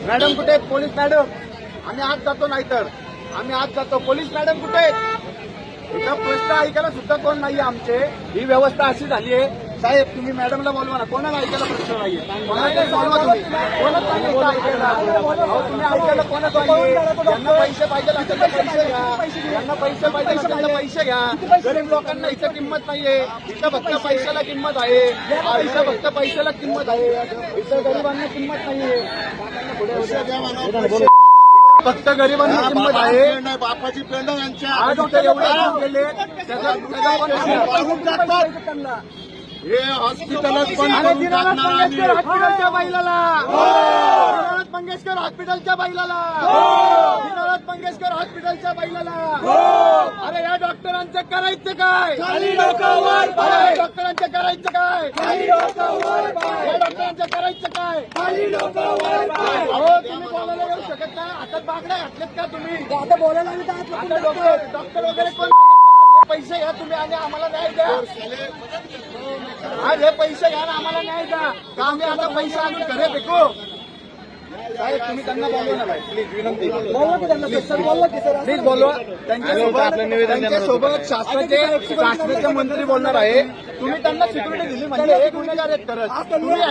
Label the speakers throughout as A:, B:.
A: Madam कुठे आहेत? Police madam, आम्ही आज जातो, नाहीतर आम्ही आज जातो. पोलीस मॅडम कुठे आहेत? इथं प्रश्न ऐकायला सुद्धा कोण नाहीये आमचे. ही व्यवस्था अशी झाली आहे. साहेब तुम्ही मॅडमला बोलवा ना, कोणाला ऐकायला प्रश्न नाहीये. कोणाला बोलवा तुम्ही, कोणच नाही इथं ऐकायला. अहो तुम्ही ऐकायला कोणच नाहीये. ज्यांना पैसे पाहिजे असेल तर पैसे घ्या, ज्यांना पैसे पाहिजे असेल तर पैसे घ्या. गरीब लोकांना इथं किंमत नाहीये. इथं फक्त पैशाला किंमत आहे. इथं फक्त पैशाला किंमत आहे. इथं गरिबांना किंमत नाहीये. फक्त गरिबांना किंमत आहे.
B: बापाची पेंड यांच्या
A: आज इथं एवढे लोक गेले
B: हे हॉस्पिटलच पण
A: दीनानाथ मंगेशकर हॉस्पिटलच्या बैलाला, दीनानाथ मंगेशकर हॉस्पिटलच्या बैलाला, दीनानाथ मंगेशकर हॉस्पिटलच्या बैलाला. अरे या डॉक्टरांचं करायचं काय? या डॉक्टरांचं करायचं काय? या डॉक्टरांचं करायचं काय? अहो तुम्ही बोलायला येऊ शकत नाही. हातात बागड्या घातलेत का तुम्ही? आता बोलायला डॉक्टर वगैरे कोण? पैसे घ्या तुम्ही आणि आम्हाला न्याय द्या. आज हे पैसे घ्या ना आम्हाला न्याय द्या. का आम्ही आता पैसे आणून घरे फेकू? साहेब तुम्ही त्यांना बोलवा ना, प्लीज विनंती. प्लीज बोलवा. त्यांच्यासोबत शासनाचे मंत्री बोलणार आहे. तुम्ही त्यांना सिक्युरिटी दिली म्हणजे हे गुन्हेगार आहेत खरंच.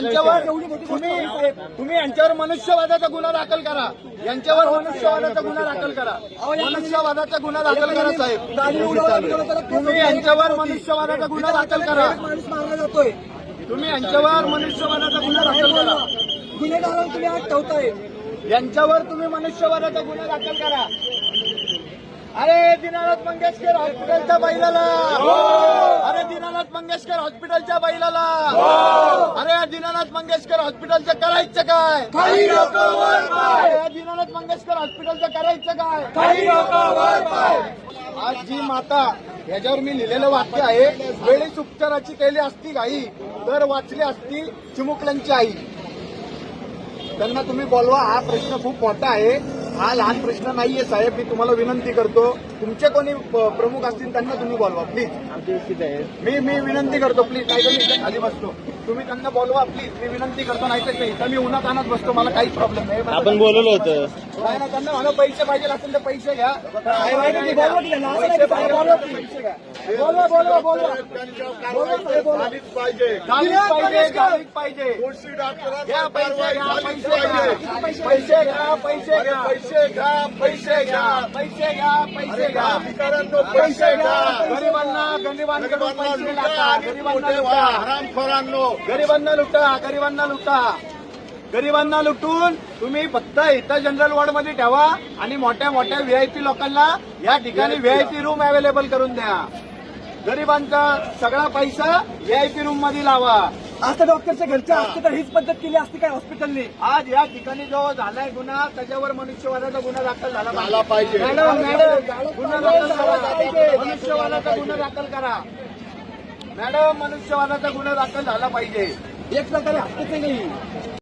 A: तुम्ही यांच्यावर मनुष्यवादाचा गुन्हा दाखल करा. यांच्यावर मनुष्यवादाचा गुन्हा दाखल करा. मनुष्यवादाचा गुन्हा दाखल करा साहेब. तुम्ही यांच्यावर मनुष्यवादाचा गुन्हा दाखल करा. तुम्ही यांच्यावर मनुष्यवादाचा गुन्हा दाखल करा.
C: गुन्हेगारांना तुम्ही आज ठेवताय.
A: यांच्यावर तुम्ही मनुष्यवादाचा गुन्हा दाखल करा. अरे दीनानाथ मंगेशकर हॉस्पिटलच्या बैलाला, अरे दीनानाथ मंगेशकर हॉस्पिटलच्या बैलाला, अरे दीनानाथ मंगेशकर हॉस्पिटलचं करायचं काय? अरे दीनानाथ मंगेशकर हॉस्पिटलचं करायचं काय? आज जी माता, याच्यावर मी लिहिलेलं वाक्य आहे, वेळीच उपचाराची केली असती घाई तर वाचली असती चिमुकल्यांची आई. त्यांना तुम्ही बोलवा. हा प्रश्न खूप मोठा आहे. हा लहान प्रश्न नाहीये साहेब. मी तुम्हाला विनंती करतो, तुमचे कोणी प्रमुख असतील त्यांना तुम्ही बोलवा प्लीज. मी विनंती करतो प्लीज. नाही तर मी इथे खाली बसतो. तुम्ही त्यांना बोलवा प्लीज. मी विनंती करतो. नाही तर इथं मी उन्हात आणत बसतो. मला काही प्रॉब्लेम नाही.
D: आपण बोलवलं होतं.
A: नाही ना, त्यांना मला पैसे पाहिजे असेल तर पैसे घ्या. पैसे पाहिजे पैसे घ्या. बोलवा बोलवा बोलवा.
B: झालीच पाहिजे.
A: गाडीच पाहिजे.
B: दोषी डॉक्टरांना
A: घ्या पैसे घ्या.
B: पैसे
A: पैसे घ्या. पैसे घ्या.
B: पैसे घ्या. पैसे घ्या.
A: पैसे घ्या. पैसे घ्या.
B: अधिकाऱ्यांना पैसे घ्या.
A: गरिबांकडून पैसे लाटा. गरिबांना लुटा.
B: हरामखोरांनो,
A: गरिबांना लुटा. गरिबांना लुटा. गरिबांना लुटून तुम्ही फक्त इथं जनरल वॉर्डमध्ये ठेवा आणि मोठ्या मोठ्या व्हीआयपी लोकांना या ठिकाणी व्हीआयपी रूम अवेलेबल करून द्या. गरिबांचा सगळा पैसा व्हीआयपी रूम मध्ये लावा.
C: आता डॉक्टरच्या घरच्या असते तर हीच पद्धत केली असती काय हॉस्पिटलने?
A: आज या ठिकाणी जो झालाय गुन्हा, त्याच्यावर मनुष्यवादाचा गुन्हा दाखल झाला
B: पाहिजे.
A: मॅडम गुन्हा दाखल करा. मनुष्यवादाचा गुन्हा दाखल करा. मॅडम मनुष्यवादाचा गुन्हा दाखल झाला पाहिजे.
C: एक प्रकारे हत्याच नाही.